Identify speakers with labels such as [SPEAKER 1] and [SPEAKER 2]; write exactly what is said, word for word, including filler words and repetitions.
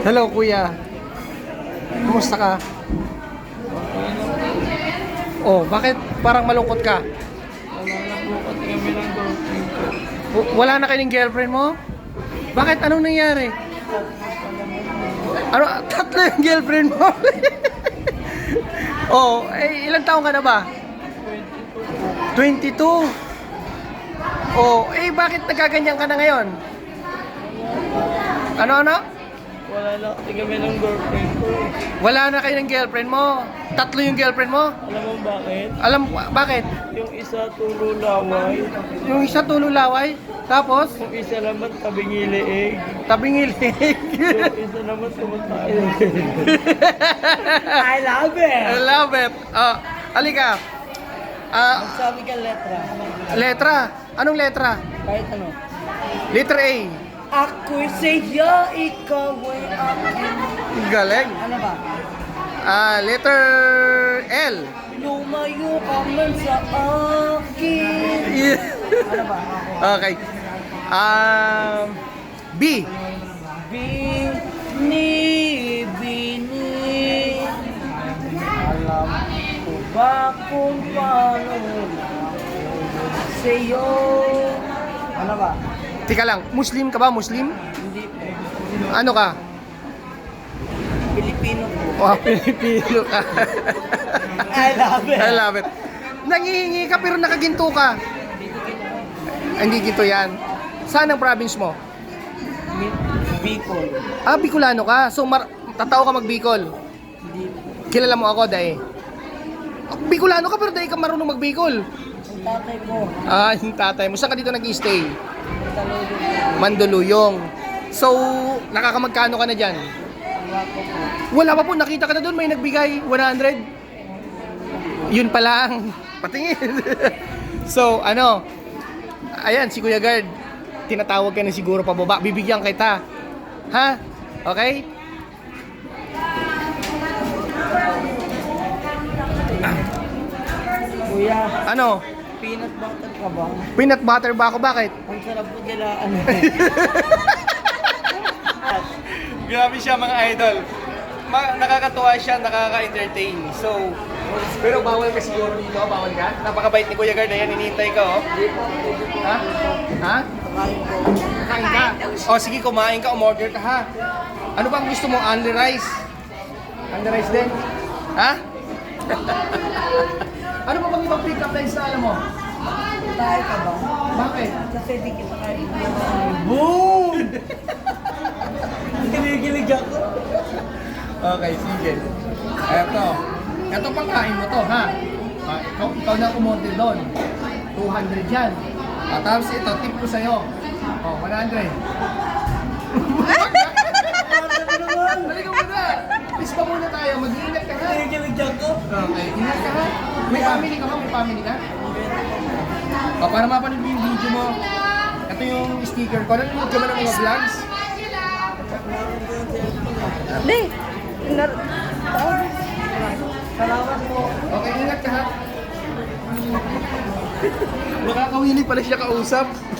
[SPEAKER 1] Hello, kuya. Kumusta ka? Oh, bakit parang malungkot ka?
[SPEAKER 2] Wala na po kasi kami ng girlfriend ko.
[SPEAKER 1] W- Wala na kayong girlfriend mo? Bakit? Anong nangyari? Ano? Tatlo yung girlfriend mo? Oh, eh, ilang taong ka na ba? twenty-two. Oh, eh, bakit nagkaganyan ka na ngayon? Ano-ano?
[SPEAKER 2] Wala na kasi kami ng girlfriend ko.
[SPEAKER 1] Wala na kayo ng girlfriend mo? Tatlo yung girlfriend mo?
[SPEAKER 2] Alam mo bakit?
[SPEAKER 1] Alam, bakit?
[SPEAKER 2] Yung isa tulo laway.
[SPEAKER 1] Yung isa tululaway, tapos
[SPEAKER 2] Yung isa naman tabing iliig.
[SPEAKER 1] tabing ilig.
[SPEAKER 2] Yung isa naman kumakain. I love
[SPEAKER 1] I
[SPEAKER 2] it!
[SPEAKER 1] love it. Oh, alika. Ah,
[SPEAKER 2] Sabi ka letra.
[SPEAKER 1] letra. Anong letra?
[SPEAKER 2] Kahit ano.
[SPEAKER 1] Letter A.
[SPEAKER 2] Ako'y sa'yo, ikaw ay akin.
[SPEAKER 1] Galing.
[SPEAKER 2] Ano ba?
[SPEAKER 1] Ah, letter L.
[SPEAKER 2] Lumayo ka man sa akin.
[SPEAKER 1] Yeah.
[SPEAKER 2] Ano ba?
[SPEAKER 1] Okay. Um, B.
[SPEAKER 2] Bini, bini. Alam ko ba kung paano sa'yo? Ano ba?
[SPEAKER 1] Tika lang, Muslim ka ba? Muslim?
[SPEAKER 2] Hindi po.
[SPEAKER 1] Ano ka?
[SPEAKER 2] Pilipino po.
[SPEAKER 1] Oh, Pilipino ka.
[SPEAKER 2] I love it.
[SPEAKER 1] I love it. Nangihingi ka pero nakaginto ka. Hindi ginto yan. Saan ang province mo?
[SPEAKER 2] Bicol.
[SPEAKER 1] Ah, Bicolano ka. So, mar- tatao ka mag-Bicol.
[SPEAKER 2] Hindi po.
[SPEAKER 1] Kilala mo ako, Dae. Oh, Bicolano ka pero Dae ka marunong mag-Bicol.
[SPEAKER 2] Ang tatay ko,
[SPEAKER 1] Ah, yung tatay mo. Saan ka dito nag-stay?
[SPEAKER 2] talodong po.
[SPEAKER 1] Mandaluyong. So, nakakamagkano ka na dyan?
[SPEAKER 2] Wala po po.
[SPEAKER 1] Wala pa po, nakita ka na doon, may nagbigay, one hundred. Yun pa lang, patingin. So, ano, ayan, si Kuya Guard, tinatawag ka na siguro pababa, bibigyan kita. Ha? Okay?
[SPEAKER 2] Kuya,
[SPEAKER 1] Ano?
[SPEAKER 2] peanut butter ka ba?
[SPEAKER 1] Peanut butter ba ako? Bakit?
[SPEAKER 2] Ang sarap po nila, ano.
[SPEAKER 1] Grabe siya mga idol. Ma- nakakatuwa siya, nakaka-entertain. So, pero bawal ka siguro dito, bawal ka? Napakabait ni Kuya Guard, ayan, hinihintay ka, oh. Ha? Ha?
[SPEAKER 2] Kain po.
[SPEAKER 1] Kain ka? O sige, kumain ka, umorder ka ha. Ano bang gusto mo? Only rice? Only rice din? Ha? Ano pa bang ibang pick-up lines na alam mo?
[SPEAKER 2] Tayo ka ba?
[SPEAKER 1] Bakit?
[SPEAKER 2] Kasi di kita kain.
[SPEAKER 1] Boom!
[SPEAKER 2] Kinikilig ako.
[SPEAKER 1] Okay, sige. Eto. Eto pang kain mo to, ha? Ah, ikaw, ikaw na umorder doon. two hundred yan. Ah, tapos ito, tip ko sa'yo. Oh, one hundred. Halika muna. Peace pa muna tayo. Mag-iingat ka ha.
[SPEAKER 2] Kinikilig ako.
[SPEAKER 1] Okay, ingat ka ha. May family ka ba? May family ka? O, para mapanood mo yung video mo. Ito yung sticker ko. Nanonood ka ba ng mga vlogs?
[SPEAKER 2] Di. Nar- Salamat po.
[SPEAKER 1] Okay, ingat ka ha. Nakakawili pala siya kausap.